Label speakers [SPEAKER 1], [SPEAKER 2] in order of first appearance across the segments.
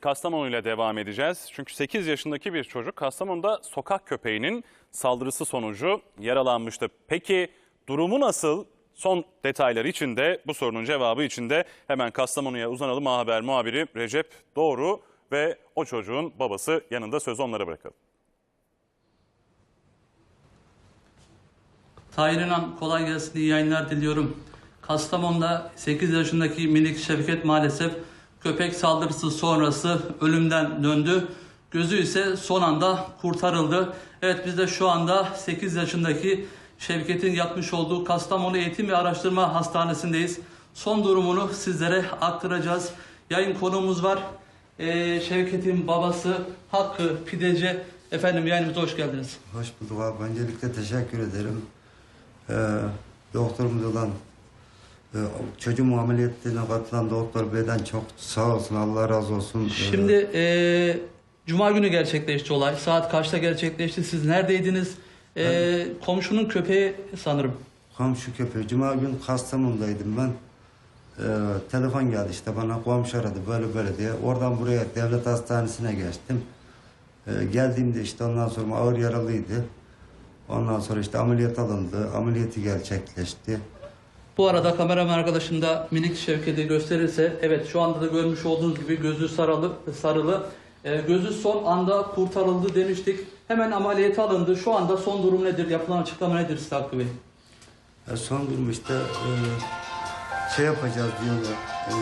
[SPEAKER 1] Kastamonu ile devam edeceğiz. Çünkü 8 yaşındaki bir çocuk Kastamonu'da sokak köpeğinin saldırısı sonucu yaralanmıştı. Peki durumu nasıl? Son detaylar için de bu sorunun cevabı için de hemen Kastamonu'ya uzanalım. Haber muhabiri Recep Doğru ve o çocuğun babası yanında, sözü onlara bırakalım.
[SPEAKER 2] Tahir İnan, kolay gelsin, iyi yayınlar diliyorum. Kastamonu'da 8 yaşındaki minik Şevket maalesef köpek saldırısı sonrası ölümden döndü. Gözü ise son anda kurtarıldı. Evet, biz de şu anda 8 yaşındaki Şevket'in yatmış olduğu Kastamonu Eğitim ve Araştırma Hastanesi'ndeyiz. Son durumunu sizlere aktaracağız. Yayın konuğumuz var. Şevket'in babası Hakkı Pideci. Efendim, yayınımıza hoş geldiniz.
[SPEAKER 3] Hoş bulduk abi. Öncelikle teşekkür ederim. Doktorumuz olan çocuğum ameliyatına katılan doktor beyden çok sağ olsun, Allah razı olsun.
[SPEAKER 2] Şimdi Cuma günü gerçekleşti olay. Saat kaçta gerçekleşti? Siz neredeydiniz? Komşunun köpeği sanırım.
[SPEAKER 3] Komşu köpeği. Cuma gün Kastamonu'daydım ben. Telefon geldi işte bana, komşu aradı böyle böyle diye. Oradan buraya devlet hastanesine geçtim. Geldiğimde işte ondan sonra ağır yaralıydı. Ondan sonra işte ameliyat alındı. Ameliyatı gerçekleşti.
[SPEAKER 2] Bu arada kameraman arkadaşım da minik Şevket'i gösterirse, evet, şu anda da görmüş olduğunuz gibi gözü sarılı. Gözü son anda kurtarıldı demiştik. Hemen ameliyata alındı. Şu anda son durum nedir? Yapılan açıklama nedir size Hakkı Bey?
[SPEAKER 3] Son durum işte şey yapacağız diyorlar.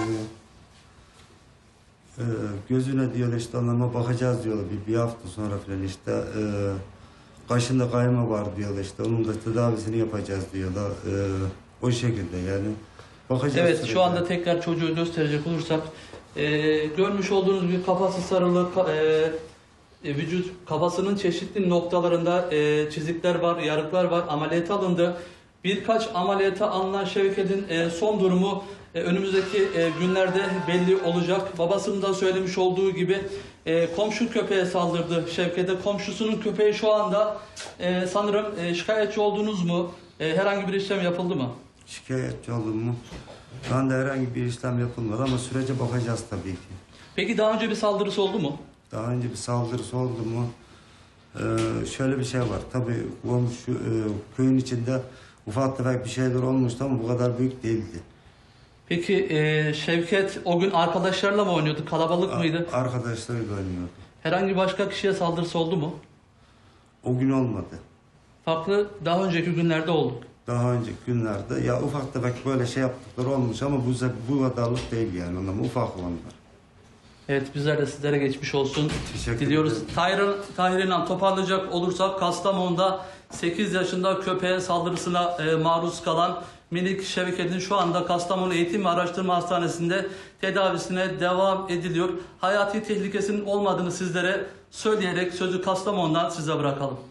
[SPEAKER 3] Gözüne diyorlar işte onlarına bakacağız diyorlar bir hafta sonra falan işte. Kaşında kayma var diyorlar işte onun da tedavisini yapacağız diyorlar. O şekilde yani. Bakacağız.
[SPEAKER 2] Evet,
[SPEAKER 3] sürekli.
[SPEAKER 2] şu anda tekrar çocuğu gösterecek olursak görmüş olduğunuz gibi kafası sarılı, vücut kafasının çeşitli noktalarında çizikler var, yarıklar var. Ameliyata alındı. Birkaç ameliyata alınan Şevket'in son durumu önümüzdeki günlerde belli olacak. Babasının da söylemiş olduğu gibi komşu köpeğe saldırdı Şevket'e. Komşusunun köpeği şu anda sanırım şikayetçi oldunuz mu? Herhangi bir işlem yapıldı mı?
[SPEAKER 3] Şikayetçi oldum mu? Şu anda herhangi bir işlem yapılmadı ama sürece bakacağız tabii ki.
[SPEAKER 2] Peki daha önce bir saldırısı oldu mu?
[SPEAKER 3] Daha önce bir saldırısı oldu mu? Şöyle bir şey var. Tabii komşu köyün içinde ufak tefek bir şeyler olmuştu ama bu kadar büyük değildi.
[SPEAKER 2] Peki Şevket o gün arkadaşlarla mı oynuyordu? Kalabalık mıydı?
[SPEAKER 3] Arkadaşlarıyla oynuyordu.
[SPEAKER 2] Herhangi başka kişiye saldırısı oldu mu?
[SPEAKER 3] O gün olmadı.
[SPEAKER 2] Farklı daha önceki günlerde oldu.
[SPEAKER 3] Daha önceki günlerde ya ufak tefek böyle şey yaptıkları olmuş ama bu kadarlık değil yani onlar ufak olanlar.
[SPEAKER 2] Evet, bizler de sizlere geçmiş olsun
[SPEAKER 3] Teşekkür
[SPEAKER 2] diliyoruz.
[SPEAKER 3] ederim.
[SPEAKER 2] Tahir İnan, toparlayacak olursak Kastamonu'da 8 yaşında köpeğe saldırısına maruz kalan minik Şevket'in şu anda Kastamonu Eğitim ve Araştırma Hastanesi'nde tedavisine devam ediliyor. Hayati tehlikesinin olmadığını sizlere söyleyerek sözü Kastamonu'dan size bırakalım.